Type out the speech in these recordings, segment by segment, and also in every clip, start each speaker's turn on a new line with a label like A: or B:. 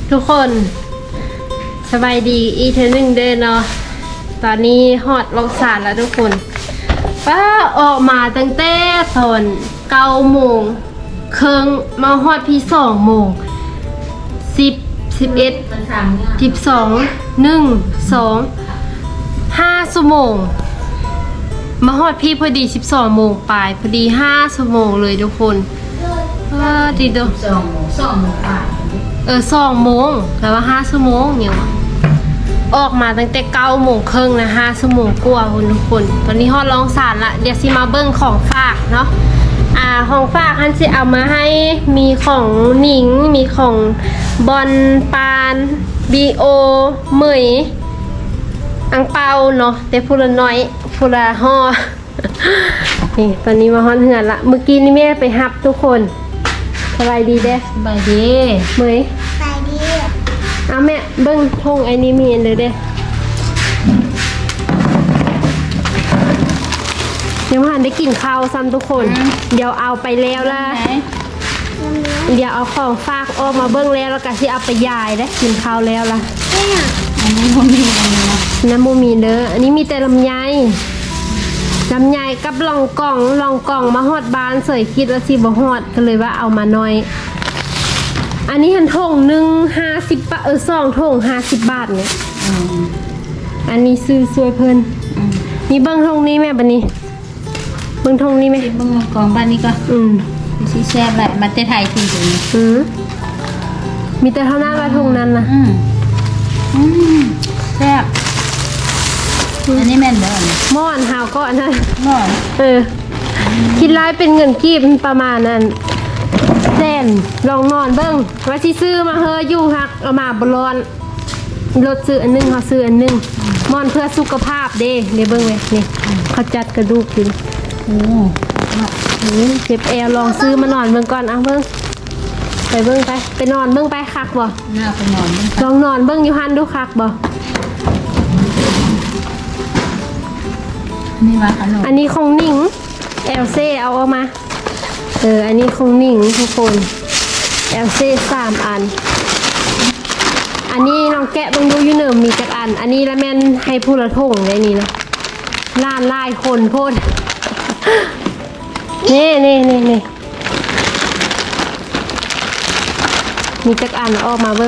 A: ทุกคนสบายดีอีเทนึงเดินเนาะตอนนี้ฮอดลงสารแล้วทุกคนป้าออกมาตั้งแต่ตอน9 โมงครึ่งมาฮอดพี่2 โมง10 11 12 1 2 5 ชั่วโมงมาฮอดพี่พอดี12 โมงปลายพอดี5 ชั่วโมงเลยทุกคนดีเด้อ
B: 2 โมงปลาย
A: 2 โมงแต่ว่า5 ชั่วโมงเนี่ยวะออกมาตั้งแต่9 โมงครึ่งนะ5 ชั่วโมงกว่าทุกคนตอนนี้ฮอดลองสารละเดี๋ยวสิมาเบิ้งของฝากเนาะของฝากฮันสิเอามาให้มีของหนิงมีของบอลปานบีโอเหมยอังเปาเนาะแต่พูละน้อยพูละห่อ นี่ตอนนี้มาฮอดเหือนละเมื่อกี้นี่แม่ไปฮับทุกคนสบายดีเด้
B: สบายดี
A: เหมย
C: สบายดี
A: เอาแม่เบิ้งทงไอ้นี่มีอันเด้อเด้ยังไม่ทันได้กินข้าวซ้ำทุกคนเดี๋ยวเอาไปแล้วล่ะเดี๋ยวเอาของฝากออกมาเบิ้งแล้วก็สิเอาไปยายได้กินข้าวแล้วล่ะ
B: อันนี้บ่มีอันนี้นะ
A: น้ำมูมีเด้ออันนี้มีแต่ลำไยกับลองกล่องมาฮอดบานเสยคิดว่าสิบ่ฮอดก็เลยว่าเอามาหน่อยอันนี้หันถงหนึ่ง50 บาท2 ถง50 บาทเนี่ยอันนี้ซื้อสวยเพิ่นมีเบิ้งทงนี้แม่บัดนี้เบิ้งทงนี้ไหม
B: เบิ่งกองบ้านนี้ก็สิแซ่บแหละมาแต่ไทยจริง
A: ๆมีแต่เท่านั้นว่าทงนั้นนะ
B: แซ่บอันนี้แม่นบ่
A: ม่อนหาวก็อันนั้น
B: ม่อน
A: คิดร้ายเป็นเงินกีบประมาณนั้นแสนลองนอนเบิ้งว่าสิซื้อมาเฮออยู่ฮักเอามาบ่ร้อนรถซื้ออันนึงเขาซื้ออันนึงม่อนเพื่อสุขภาพเด้เดี๋ยวเบิ้งเว้ยนี่เขาจัดกระดูกกินเจ็บแอวลองซื้อมานอนเบิ้งก่อนเอาเบิ้งไปเบิ้งไปนอนเบิ้งไปคักบ่
B: น่าไปนอน
A: ลองนอนเบิ้งอยู่หันดูคักบ่
B: นี่ว่าขนม
A: อันนี้ของหนิงเอลเซ่เอาออกมาอันนี้ของหนิงทุกคนเอลเซ่3 อันอันนี้น้องแกะเบิ่งดูอยู่เนิ่มมีจักอันอันนี้ละแม่นให้ผู้ละถงได้นี่นะล้านลายคนโพดนี่มีจักอันออกมาเบิ่ง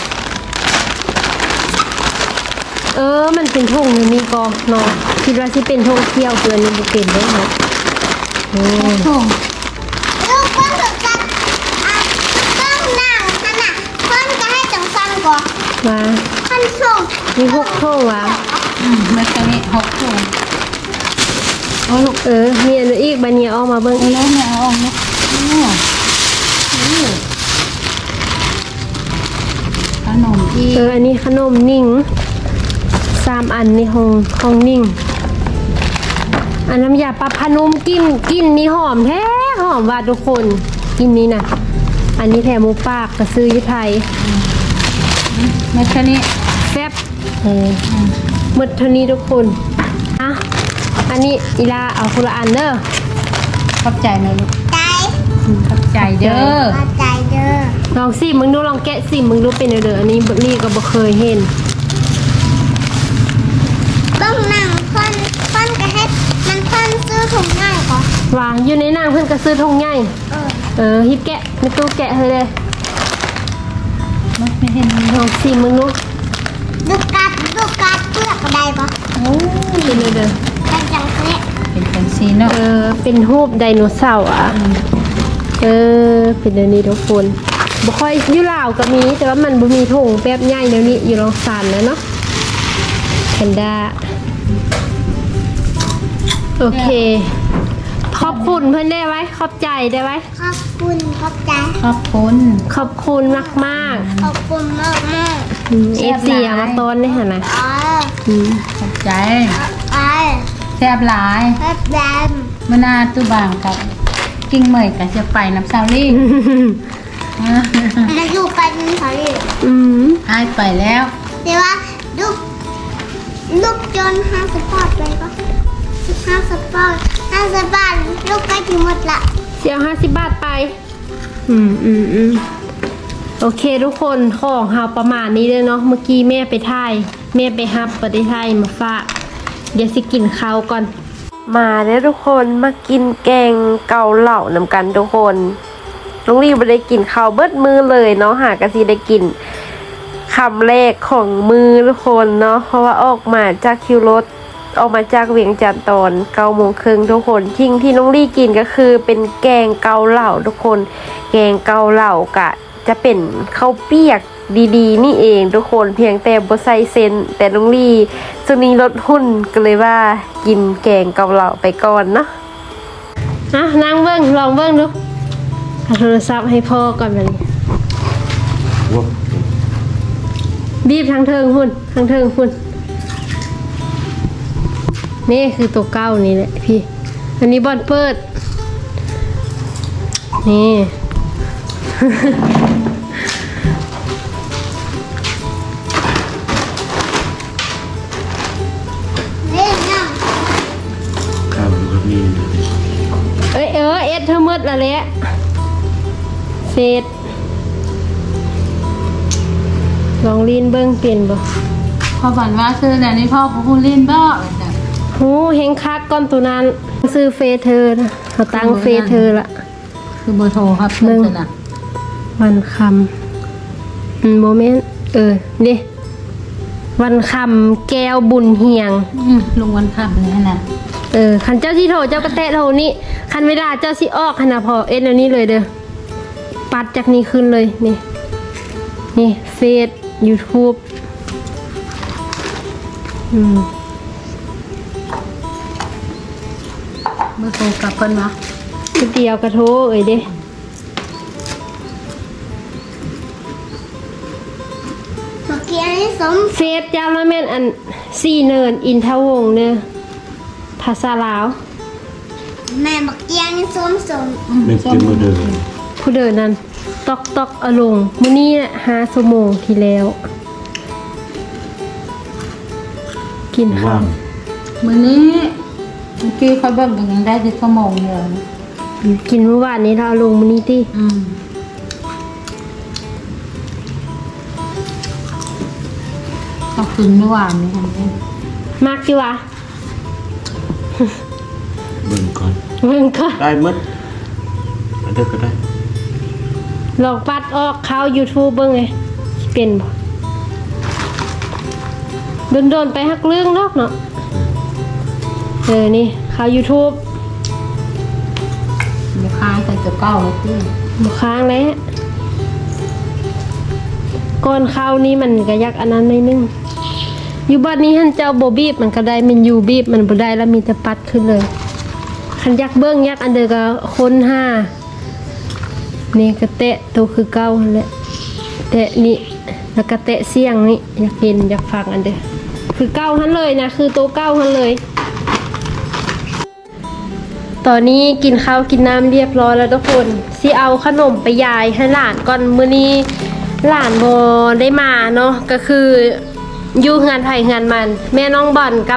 A: มันเป็นธงอยู่นี่ก็เนาะคิดว่าสิเป็นธงเที่ยวเกินนี่บ่เป็นเด้เนาะ
B: ธง
C: ลูกเพิ่นถูกจัดต้องนั่งขนาดเพิ่นก็ให้จังซั่นก่อน
A: ว่า
C: เพิ่นส่ง
A: มี6 ธงว่ะ
B: เมื่อกี้6 ธง
A: ลูกมีอันอีกบัดนี้ออกมาเบิ่งอีก
B: แล้วเนี่ยเอาออกเนาะขนมที่
A: อันนี้ขนมนิ่ง3 อันนี่ของนิ่งอันน้ำยาปลาพนุ่มกินนี่หอมแท้หอมว่าทุกคนกินนี้นะอันนี้แถมหมูปากกระซื้อยุไทย
B: เมื่อกี้
A: แซ่บหมดเท่านี้ทุกคนอันนี้อีลาเอาคนละอันเด้อ
B: ขอบใจนะลูก
C: ใจ
B: ขอบใจเด้อ
C: ขอบใจเด้อ
A: ลองสิมึงดูลองแกะสิมึงดูเป็นเด้ออันนี้ลี่ก็บ่เคยเห็น
C: ต้องนั่งเพิ่นก็ให้มันเพิ่นซื้อถุงง่ายก่อน
A: วางอยู่ในนางเพิ่นก็ซื้อทงง่ายฮิปแกะไม่ตู้แกะเลย
B: ไม่เห็น
A: ลองสิมึงดู
C: ดูกัดเปลือกได้ปะ
A: เป็นเด้อ
C: เป็นจังซี่
B: เป็นจังซี่เนาะ
A: เป็นรูปไดโนเสาร์เป็นอันนี้ทุกคนบ่ค่อยอยู่ลาวก็มีแต่ว่ามันบ่มีถุงแป๊บใหญ่เดี๋ยวนี้อยู่ลองสานแล้วเนาะแพนด้าโอเคขอบคุณเพื่อนได้ไว้ขอบใจได้ไว้
C: ขอบคุณขอบใจ
B: ขอบคุณ
A: มาก
C: ขอบคุณมาก
A: FC มาต้นนี่ค่ะนะ
B: ขอบใจ
C: แซ่บหลาย
B: เมื่อนาตู้บางกับกิ้งเหมยกับจะไปน้ำซาวลี่
C: มาอยู่ไปน้ำซาวลี่
B: ให้ไปแล้ว
C: แต่ว่าลูกจน50 บาทเลยปะ50 บาทลูกใกล้ถึงหมดละ
A: เสีย50 บาทไปโอเคทุกคนของเฮาประมาณนี้เลยเนาะเมื่อกี้แม่ไปถ่ายแม่ไปฮับประเทศไทยมาฝากเดี๋ยวสิกินข้าวก่อนมาแล้วทุกคนมากินแกงเกาเหล่านำกันทุกคนน้องลีไม่ได้กินข้าวเบิดมือเลยเนาะหากะสิได้กินคำแรกของมือทุกคนเนาะเพราะว่าออกมาจากคิวรถออกมาจากเวียงจันทร์ตอน9:30ทุกคนทิ้งที่น้องลี่กินก็คือเป็นแกงเกาเหล่าทุกคนแกงเกาเหล่ากะจะเป็นข้าวเปียกดีๆนี่เองทุกคนเพียงแต่บ่ใส่เซนแต่น้องลี่ช่วงนี้ลดหุ่นก็เลยว่ากินแกงเกาเหล่าไปก่อนเนาะนั่งเบิ้งลองเบิ้งดูเอาโทรศัพท์ให้พ่อก่อนมันบีบทางเทิงหุ่นทางเทิงหุ่นนี่คือตัวเก้านี่แหละพี่อันนี้บอลเปิดนี่
C: เล่นน้
D: ข้าวมันก็มี
A: เอสเธอมืดละแหละเศษลองลีนเบิ้งเปลี่ยนบ่
B: พอฝันว่าซื้อแล้วนี่พ่อผู้เล่นบ่จ้ะ
A: หูเฮงคักก้อนตัวนั้นซื้อเฟซเธอนะเขาตั้งเฟซเธอละ
B: คือเบอร์โทรครับเพิ่นน่ะ
A: วันคำโมเมนต์นี่วันคำแก้วบุญเฮียง
B: ลุงวันขับเลยน่ะ
A: คันเจ้าที่โทรเจ้าก็แตะโทรนี่คันเวลาเจ้าสิออกขนาดพอเอ็นอันนี้เลยเด้อปัดจากนี้ขึ้นเลยนี่เฟซ YouTube
B: เบอร์โทรกับเพิ่นวะ
A: คือเดียวกระโทเด้
C: ำเมื่อกี้อันนี้สม
A: เฟซเจ้าละแม่นอัน4เนินอินทวงศ์เด้อภาษาลาว
C: แม่เมื่อกี้อันนี้สม
D: เป็นเกมโมเดล
A: ผู้เดินนั้นตอกอลงมื้อนี้5ชั่วโมงที่แล้ว กินข้า
D: ว่าว ง
B: มื้อนี้เมื่อกี้เขาเบิ่งกันยังได้10ชั่วโมงเดียวนะ
A: กินเมื่อวานนี้เราเอาลงมื้อนี้ติ
B: เอาคืนเมื่อวานนี้ค่ะ
A: มักอยู่วะ
D: เบิ่งก่อน
A: เบิ่งก่อน
D: ได้หมดอันเดียวก็ได้
A: ลองปัดออกเข้า YouTube เบิ่งไงสิเป็นบ่โดนๆไปฮักเรื่องเนาะนี่เข้า YouTube
B: ลูกค้าใส่ตัวเก้าเลยพี่
A: บ่ค้างแล้วก่อนเข้านี่มันก็ยักอันนั้นหน่อยนึงอยู่บ้านนี้หันเจ้าบ่บีบมันก็ได้มันอยู่บีบมันบ่ได้แล้วมีแต่ปัดขึ้นเลยคันยักเบิ่งยักอันเดียวก็ค้นห้านี่ก็แตะตัวคือเก้าหั่นแหละแตะนี่แล้วก็แตะเสียงนี่อยากเห็นอยากฟังอันเดียวคือเก้าหันเลยนะคือตัวเก้าหันเลย ตอนนี้กินข้าวกินน้ำเรียบร้อยแล้วทุกคนสิเอาขนมไปยายให้หลานก่อนมื้อนี้หลานบ่ได้มาเนาะก็คืออยู่งานไผงานมันแม่น้องบอลกับ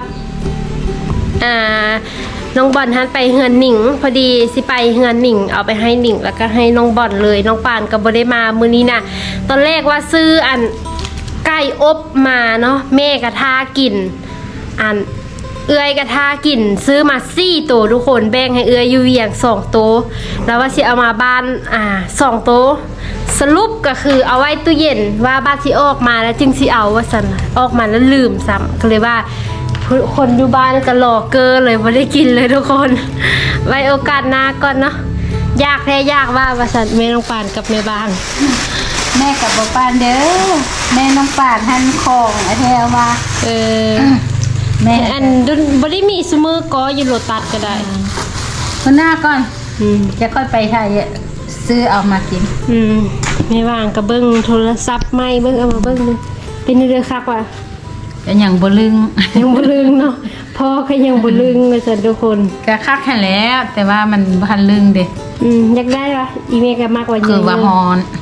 A: น้องบอลหันไปเฮือนหนิงพอดีสิไปเฮือนหนิงเอาไปให้หนิงแล้วก็ให้น้องบอลเลยน้องปานก็บ่ได้มามื้อนี้น่ะตอนแรกว่าซื้ออันไก่อบมาเนาะแม่ก็ทากินอันเอื้อยกระทากินซื้อมา4ตัวทุกคนแบ่งให้เอื้อยอยู่เวียง2ตัวแล้วว่าสิเอามาบ้าน2ตัวสรุปก็คือเอาไว้ตู้เย็นว่าบ้านสิออกมาแล้วจึงสิเอาว่าซั่นล่ะออกมาแล้วลืมซ้ำก็เลยว่าคนอยู่บ้านก็รอเกอเลยบ่ได้กินเลยทุกคน ไว้โอกาสหน้าก่อนเนาะยากแท้ยากว่าซั่นแม่น้องปานกับแม่บ้าน
B: แม่กับบ่ปานเด้อแม่น้องปานหั่นของไอ้แท้ว่า แม่
A: อันบ่ได้มีซุมือก็อยู่โลตัสก็ได้
B: คนหน้าก่อนจะค่อยไปไทยซื้อเอามากิน
A: ไม่ว่างก็เบิ่งโทรศัพท์ใหม่เบิ่งเอามาเบิ่งดูเป็นเรื่องคักว่ะ
B: ก็ยังบ่ลึง
A: ยังบ่ลืมเนาะพ่อก็ยังบ่ลืมว่าซั่นทุกคน
B: ก็คักแค่แล้ว แต่ว่ามันบ่ทันลึงเด้
A: อยากได้วะอีเมลก็มากกว่า
B: คือว่าฮอน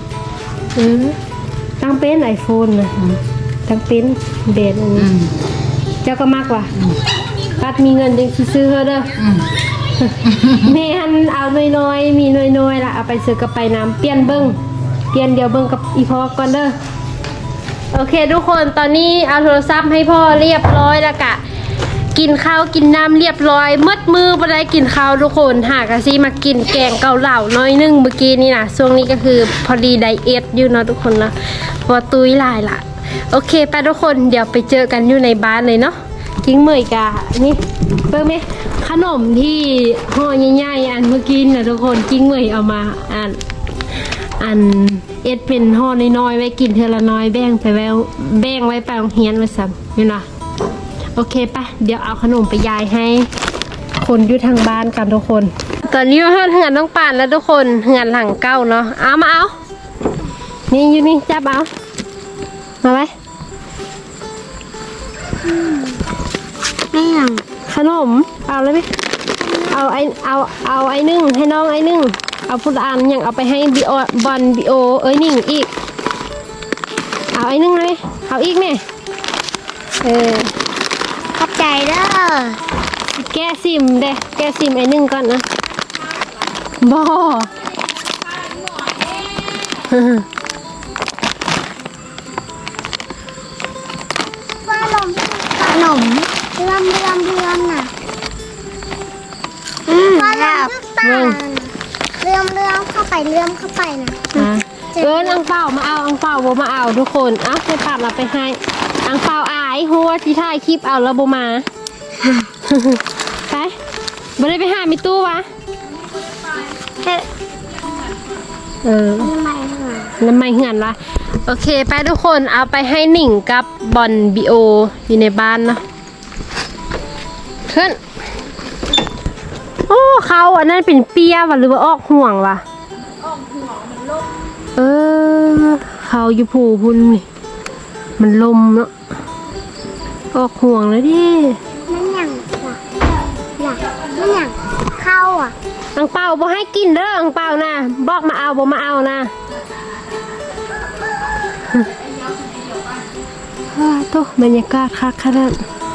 A: ตั้งเป็น iPhone นะตั้งเป็นเบสอันนี้เจ้าก็มากกว่าปัดมีเงินจังสิซื้อเฮาเด้อแม่หันเอาน้อยๆมีน้อยๆล่ะเอาไปซื้อกับไปน้ำเปลี่ยนเบิ่งเปลี่ยนเดี๋ยวเบิ่งกับอีพ่อก่อนเด้อโอเคทุกคนตอนนี้เอาโทรศัพท์ให้พ่อเรียบร้อยแล้วกะกินข้าวกินน้ำเรียบร้อยมืดมือบ่ได้กินข้าวทุกคนหากะสิมากินแกงเกาเหลาน้อยนึงเมื่อกี้นี่นะช่วงนี้ก็คือพอดีไดเอทอยู่เนาะทุกคนเนาะพอตุ้ยหลายละโอเคไปทุกคนเดี๋ยวไปเจอกันอยู่ในบ้านเลยเนาะกิ้งเมยกะนี่เบิ่งไหมขนมที่ห่อใหญ่ๆอันเมื่อกี้นะทุกคนกิ้งเมยเอามาอันเอ็ดเป็นห่อน้อยๆไว้กินเทอละน้อยแบ่งไปไว้ไปโรงเรียนไว้ซ้ำนี่นะโอเคปะเดี๋ยวเอาขนมไปยายให้คนอยู่ทางบ้านกันทุกคนตอนนี้เราเฮือนต้องป่านแล้วทุกคนเฮือนหลังเก้าเนาะเอามาเอานี่อยู่นี่จับเอามาไว้
C: ไม่ยัง
A: ขนมเอาเลยไหมเอาไอ้นึ่งให้น้องไอ้นึ่งเอาพุทธอันยังเอาไปให้บิโอบอลบิโอนิ่งอีกเอาไอ้นึ่งเลยเอาอีกไหม
C: ขอบใจเด้อ
A: แก้ซิมเด้แก้ซิมไอ้นึ่งก่อนนะบอ
C: ขนมเลื่อมน่ะขนมตาเลื่อมเข้าไปนะ
A: อังเปามาเอาอังเปาโบมาเอาทุกคนเอาให้ปัดเราไปให้อังเปาอายหัวที่ถ่ายคลิปเอาแล้วโบมา ไปบ่ได้ไปหามิตู้วะน้ำไม่เหือนละโอเคไปทุกคนเอาไปให้หนิงกับบอลบิโออยู่ในบ้านเนาะขึ้นโอ้เขาอันนั้นเป็นเปียวะหรือว่าออกห่วงวะเขาอยู่ผูพุ่นนี่มันลมเนาะออกห่วงแล้วดิ
C: มันอย่างเข้าอ่ะ
A: อังเปาบ่ให้กินเด้ออังเปานะบอกมาเอาบ่มาเอานะโตบรรยากาศคักขนาด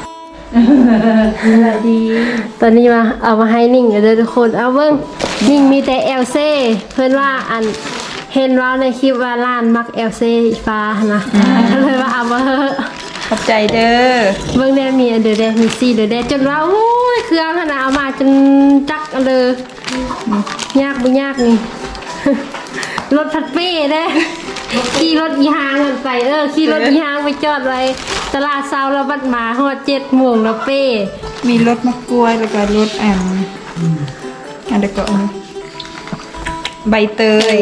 A: ดีตอนนี้มาเอามาให้นิ่งเด้อทุกคนเอาเบิ่งนิ่งมีแต่เอลเซ่เพิ่นว่าอันเห็นว่าในคลิปว่าร้านมักเอลเซ่ฟ้านะก็เลยว่าเอามาเถอะ
B: ขอบใจเด้อ
A: เบิ่งแน่มีอันเดอแดมีซีเดอแดจนว่าโอ้ยเครื่องขนาดเอามาจนจักอันเลยยากบ่ยากนี่ รถพัดเป้เด้ขี่รถอีหางกันไปขี่รถอีหางไปจอดไว้ตลาดเช้าแล้วบัดมาฮอด7 โมงแล้วเป้
B: มีรถมะกล้วยแล้วก็รถอันเด็กก็ใบเตย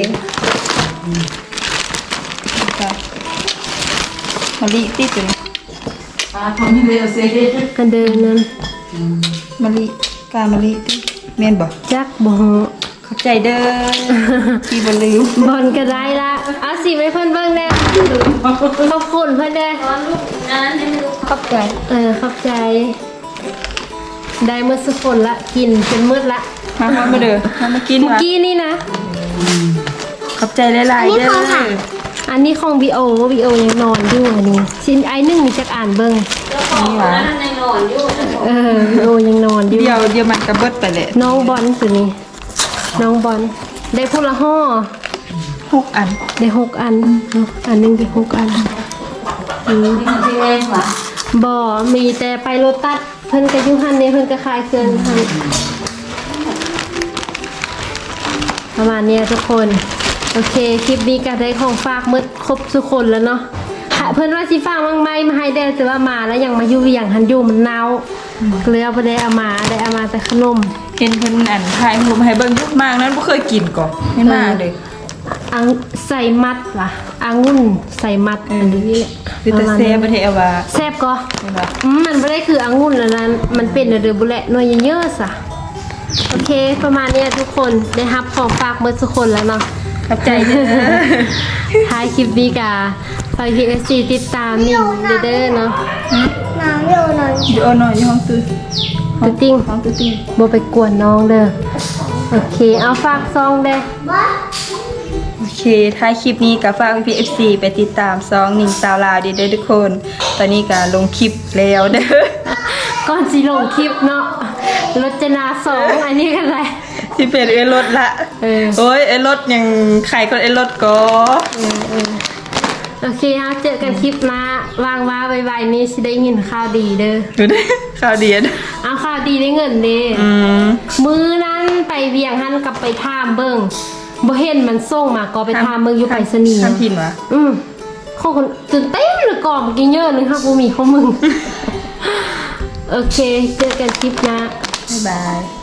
B: มะลิติดอยู่นี่
A: กันเดินนั้น
B: มะลิกามะลิติดแม่นบ่
A: จักบ่ฮู้
B: ขอบใจเด้อที่บ่ลืม
A: บอลก็ได้ละเอาสิไว้เพิ่นเบิ่งแน่ขอบคุณเพิ่นแน่
B: ขอบใจ
A: ขอบใจได้เมื่อสักคนละกินจนมืดละ
B: มาเด้อมากิน
A: เมื่อ
B: ว่ะ
A: กี้นี่นะ
B: ขอบใจหลายๆเด้อ
A: อันนี้ของบีโอยังนอนอยู่อันนี้ชิ้นไอ้หนึ่งมีจักอ่านเบิ้ง
B: นี่หว่า
A: บีโอยังนอนอยู่
B: เดี๋ยวมันก็เบิดไปแหละ
A: น้องบอลสินี่น้องบอลได้พูละห่อ
B: 6 อัน
A: ได้6 อันอันหนึงได้6 อันบ่มีแต่ไปโลตัสเพิ่นก็อยู่หันนี่เพิ่นก็ขายเครื่องหันประมาณเนี้ยทุกคนโอเคคลิปนี้ก็ได้ของฝากมืดครบทุกคนแล้วเนาะเพื่อนว่าสิฝากบางไม้มาให้ได้แต่ว่ามาแล้วยังมาอยู่อย่างหันอยู่มันเน่าก็เลยเอาไปได้เอามาแต่ขนม
B: เห็นเพิ่นอันถ่ายรูปให้เบิ่งยุกมากนั้นบ่เคยกินก่อนไม่มาเลย
A: อังใส่มัดว่ะองุ่นใส่มัดอันนี้แหละ
B: คือแต่แซ่บบ่ได้เอาว่า
A: แซ่บก็
B: เห็นบ่
A: มันไม่ได้คือองุ่นแล้วนั้นมันเป็นเดือบุแหละหน่วยเยอะๆสะโอเคประมาณเนี้ยทุกคนได้รับของฝากมืดทุกคนแล้วเนาะ
B: ขอบใจเด้อ
A: ท้ายคลิปนี้กะฝาก KFC ติดตามนี่เด้อเนาะ
C: น้ำอยู่หน่อย
B: อยู่เอาหน่อยอยู่ห้องตื้อ
A: ตุ๊ติ้ง
B: ห้องตื้อ
A: บ่ไปกวนน้องเด้อโอเคเอาฝากซองเด้อ
B: โอเคท้ายคลิปนี้ก็ฝาก PFC ไปติดตามซองหนิงสาวลาวเด้อทุกคน ตอนนี้ก็ลงคลิปแล้วเด้อ
A: ก่อนสิลงคลิปเนาะรจนา2อันนี้กันเลย
B: ที่เป็นเอรถละ โอ้ยเอรถยังไข่คนเอรถก็
A: โอเคฮะเจอกันคลิปหน้าวางว่าไวๆนี่สิได้เงินข่าวดีเด้อ
B: ดูดิข่าวดีนะ
A: เอาข่าวดีได้เงินเด้
B: ม
A: มื้อนั้นไปเวียงหันกลับไปถามเบิ่งบ่เห็นมันส่งมาก็ไปถามเบิ่งอยู่ไปรษณีย์
B: ทำผิดวะ
A: ของคนตื่นเต้นเลยก่อนเมื่อกี้เยอะนึงค่ะกูมีของมึง โอเค เจอกันคลิปหน้า
B: บ๊ายบาย